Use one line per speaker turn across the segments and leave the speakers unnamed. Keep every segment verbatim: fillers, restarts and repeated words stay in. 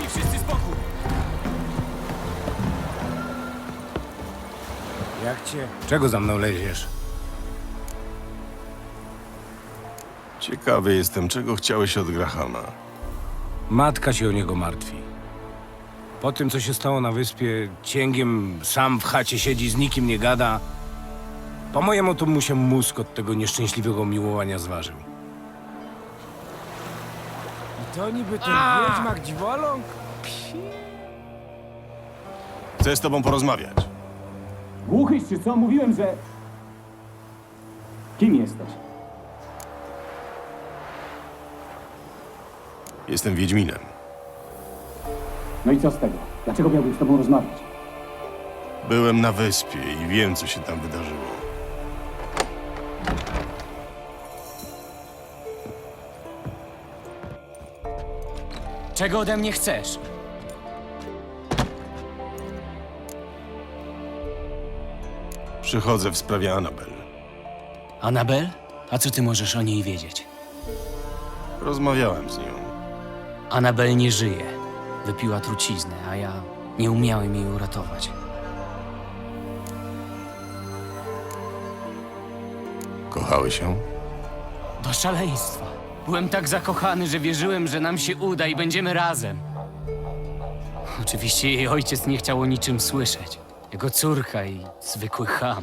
mi wszyscy spokój!
Jak cię? Czego za mną leziesz?
Ciekawy jestem, czego chciałeś od Grahama.
Matka się o niego martwi. Po tym, co się stało na wyspie, cięgiem sam w chacie siedzi, z nikim nie gada. Po mojemu to mu się mózg od tego nieszczęśliwego miłowania zważył. I to niby ten wiedźmak dziwoląg?
Chcę z tobą porozmawiać.
Głuchyś czy co? Mówiłem, że... Kim jesteś?
Jestem Wiedźminem.
No i co z tego? Dlaczego miałbym z tobą rozmawiać?
Byłem na wyspie i wiem, co się tam wydarzyło.
Czego ode mnie chcesz?
Przychodzę w sprawie Annabel.
Annabel? A co ty możesz o niej wiedzieć?
Rozmawiałem z nią.
Annabel nie żyje. Wypiła truciznę, a ja nie umiałem jej uratować.
Kochałeś ją?
Do szaleństwa. Byłem tak zakochany, że wierzyłem, że nam się uda i będziemy razem. Oczywiście jej ojciec nie chciał o niczym słyszeć. Jego córka i zwykły cham.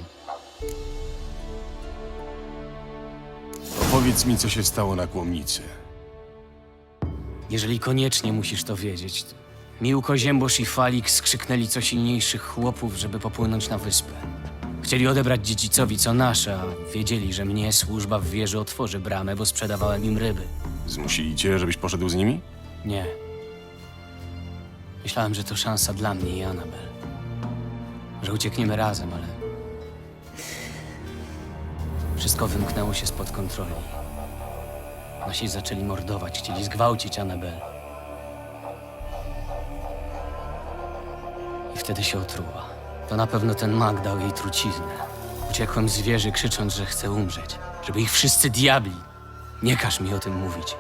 Opowiedz mi, co się stało na Kłomnicy.
Jeżeli koniecznie musisz to wiedzieć, to Miłko, Ziębosz i Falik skrzyknęli co silniejszych chłopów, żeby popłynąć na wyspę. Chcieli odebrać dziedzicowi co nasze, a wiedzieli, że mnie służba w wieży otworzy bramę, bo sprzedawałem im ryby.
Zmusili cię, żebyś poszedł z nimi?
Nie. Myślałem, że to szansa dla mnie i Annabel. Że uciekniemy razem, ale... Wszystko wymknęło się spod kontroli. Nasi zaczęli mordować, chcieli zgwałcić Annabel. I wtedy się otruła. To na pewno ten mag dał jej truciznę. Uciekłem z wieży, krzycząc, że chcę umrzeć. Żeby ich wszyscy diabli. Nie każ mi o tym mówić.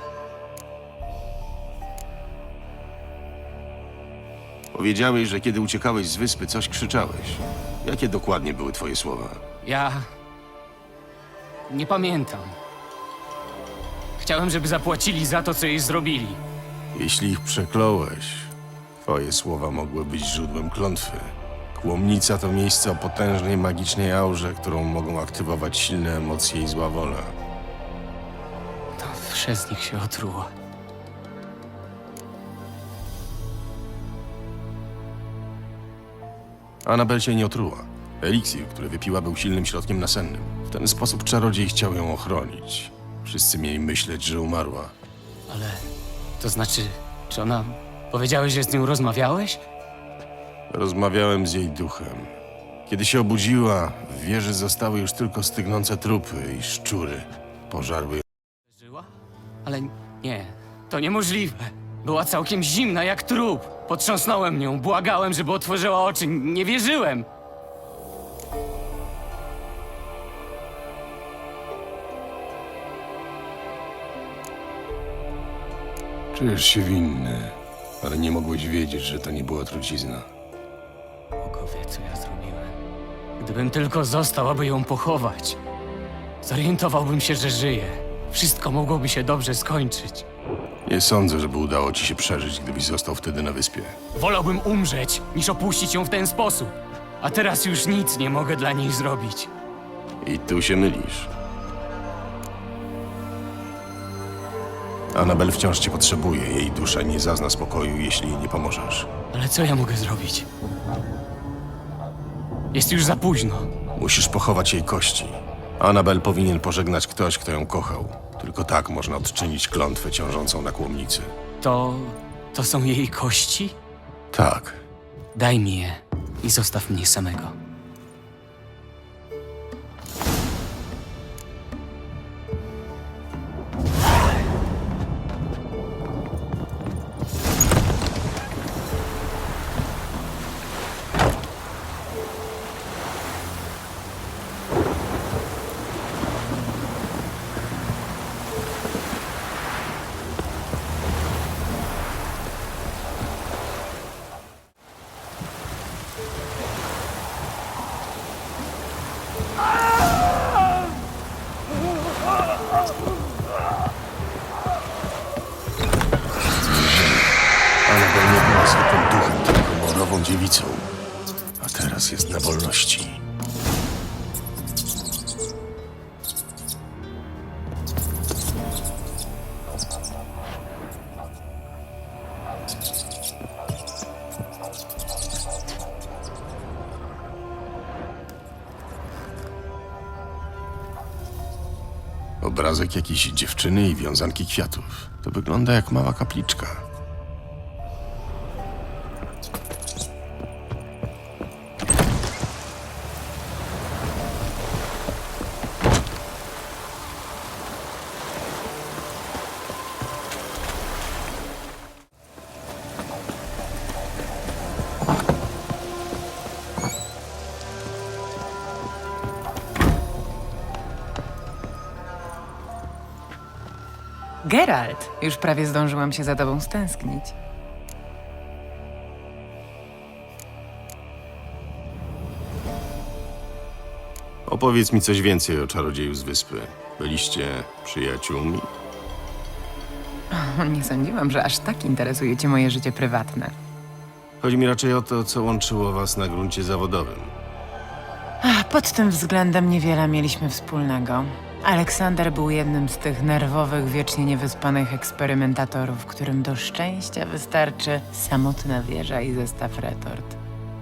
Powiedziałeś, że kiedy uciekałeś z wyspy, coś krzyczałeś. Jakie dokładnie były twoje słowa?
Ja... nie pamiętam. Chciałem, żeby zapłacili za to, co jej zrobili.
Jeśli ich przekląłeś, twoje słowa mogły być źródłem klątwy. Kłomnica to miejsce o potężnej magicznej aurze, którą mogą aktywować silne emocje i zła wola.
To przez nich się otruło.
Annabel się nie otruła. Eliksir, który wypiła, był silnym środkiem nasennym. W ten sposób czarodziej chciał ją ochronić. Wszyscy mieli myśleć, że umarła.
Ale... to znaczy... czy ona... powiedziałeś, że z nią rozmawiałeś?
Rozmawiałem z jej duchem. Kiedy się obudziła, w wieży zostały już tylko stygnące trupy i szczury. Pożarły ją.
Żyła? Ale nie, to niemożliwe. Była całkiem zimna jak trup. Potrząsnąłem nią, błagałem, żeby otworzyła oczy. Nie wierzyłem.
Czujesz się winny, ale nie mogłeś wiedzieć, że to nie była trucizna.
Bogu wie, co ja zrobiłem. Gdybym tylko został, aby ją pochować, zorientowałbym się, że żyje. Wszystko mogłoby się dobrze skończyć.
Nie sądzę, żeby udało ci się przeżyć, gdybyś został wtedy na wyspie.
Wolałbym umrzeć, niż opuścić ją w ten sposób. A teraz już nic nie mogę dla niej zrobić.
I tu się mylisz. Annabel wciąż cię potrzebuje. Jej dusza nie zazna spokoju, jeśli jej nie pomożesz.
Ale co ja mogę zrobić? Jest już za późno.
Musisz pochować jej kości. Annabel powinien pożegnać ktoś, kto ją kochał. Tylko tak można odczynić klątwę ciążącą na Kłomnicy.
To... to są jej kości?
Tak.
Daj mi je i zostaw mnie samego.
Anabel nie była zwykłym duchem, tylko morową dziewicą. A teraz jest na wolności. Obrazek jakiejś dziewczyny i wiązanki kwiatów. To wygląda jak mała kapliczka.
Geralt, już prawie zdążyłam się za tobą stęsknić.
Opowiedz mi coś więcej o czarodzieju z wyspy. Byliście przyjaciółmi?
O, nie sądziłam, że aż tak interesuje cię moje życie prywatne.
Chodzi mi raczej o to, co łączyło was na gruncie zawodowym.
Ach, pod tym względem niewiele mieliśmy wspólnego. Aleksander był jednym z tych nerwowych, wiecznie niewyspanych eksperymentatorów, którym do szczęścia wystarczy samotna wieża i zestaw retort.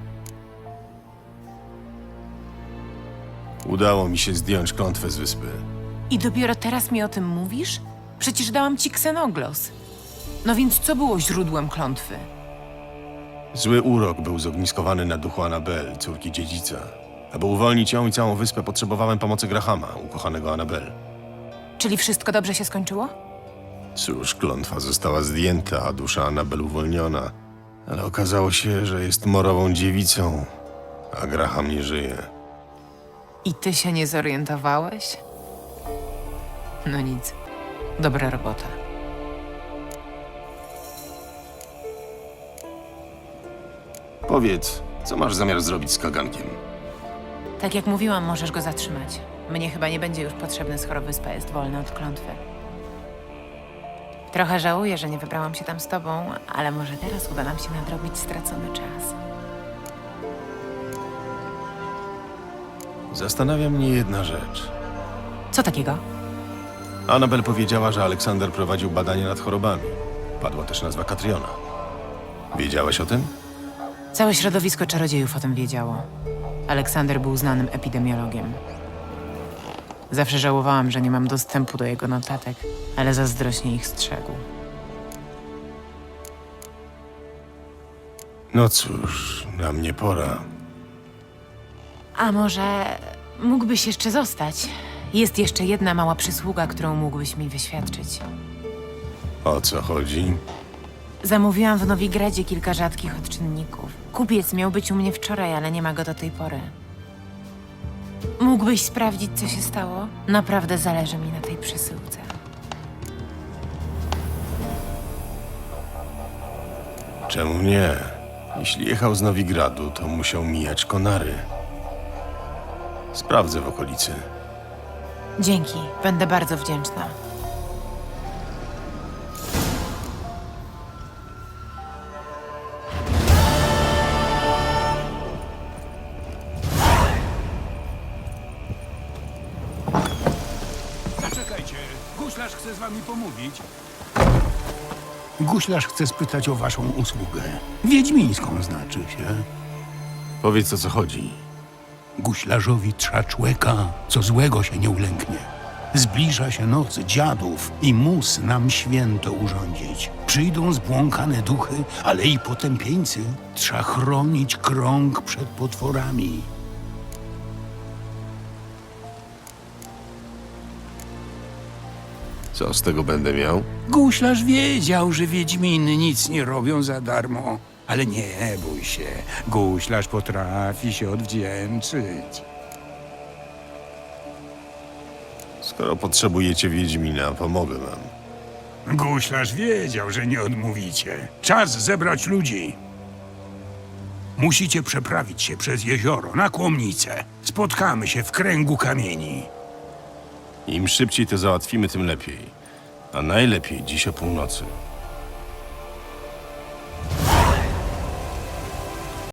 Udało mi się zdjąć klątwę z wyspy.
I dopiero teraz mi o tym mówisz? Przecież dałam ci ksenoglos. No więc co było źródłem klątwy?
Zły urok był zogniskowany na duchu Anabel, córki dziedzica. Aby uwolnić ją i całą wyspę, potrzebowałem pomocy Grahama, ukochanego Anabel.
Czyli wszystko dobrze się skończyło?
Cóż, klątwa została zdjęta, a dusza Anabel uwolniona. Ale okazało się, że jest morową dziewicą, a Graham nie żyje.
I ty się nie zorientowałeś? No nic. Dobra robota.
Powiedz, co masz zamiar zrobić z kagankiem?
Tak jak mówiłam, możesz go zatrzymać. Mnie chyba nie będzie już potrzebny, skoro wyspa jest wolna od klątwy. Trochę żałuję, że nie wybrałam się tam z tobą, ale może teraz uda nam się nadrobić stracony czas.
Zastanawia mnie jedna rzecz.
Co takiego?
Anabel powiedziała, że Aleksander prowadził badania nad chorobami. Padła też nazwa Katriona. Wiedziałeś o tym?
Całe środowisko czarodziejów o tym wiedziało. Aleksander był znanym epidemiologiem. Zawsze żałowałam, że nie mam dostępu do jego notatek, ale zazdrośnie ich strzegł.
No cóż, na mnie pora.
A może mógłbyś jeszcze zostać? Jest jeszcze jedna mała przysługa, którą mógłbyś mi wyświadczyć.
O co chodzi?
Zamówiłam w Nowigradzie kilka rzadkich odczynników. Kupiec miał być u mnie wczoraj, ale nie ma go do tej pory. Mógłbyś sprawdzić, co się stało? Naprawdę zależy mi na tej przesyłce.
Czemu nie? Jeśli jechał z Nowigradu, to musiał mijać Konary. Sprawdzę w okolicy.
Dzięki, będę bardzo wdzięczna.
Zaczekajcie, guślarz chce z wami pomówić.
Guślarz chce spytać o waszą usługę. Wiedźmińską znaczy się.
Powiedz, o co chodzi.
Guślarzowi trza człeka, co złego się nie ulęknie. Zbliża się noc dziadów i mus nam święto urządzić. Przyjdą zbłąkane duchy, ale i potępieńcy. Trza chronić krąg przed potworami.
Co z tego będę miał?
Guślarz wiedział, że wiedźminy nic nie robią za darmo. Ale nie bój się, guślarz potrafi się odwdzięczyć.
Skoro potrzebujecie Wiedźmina, pomogę wam.
Guślarz wiedział, że nie odmówicie. Czas zebrać ludzi. Musicie przeprawić się przez jezioro na Kłomnicę. Spotkamy się w kręgu kamieni.
Im szybciej to załatwimy, tym lepiej. A najlepiej dziś o północy.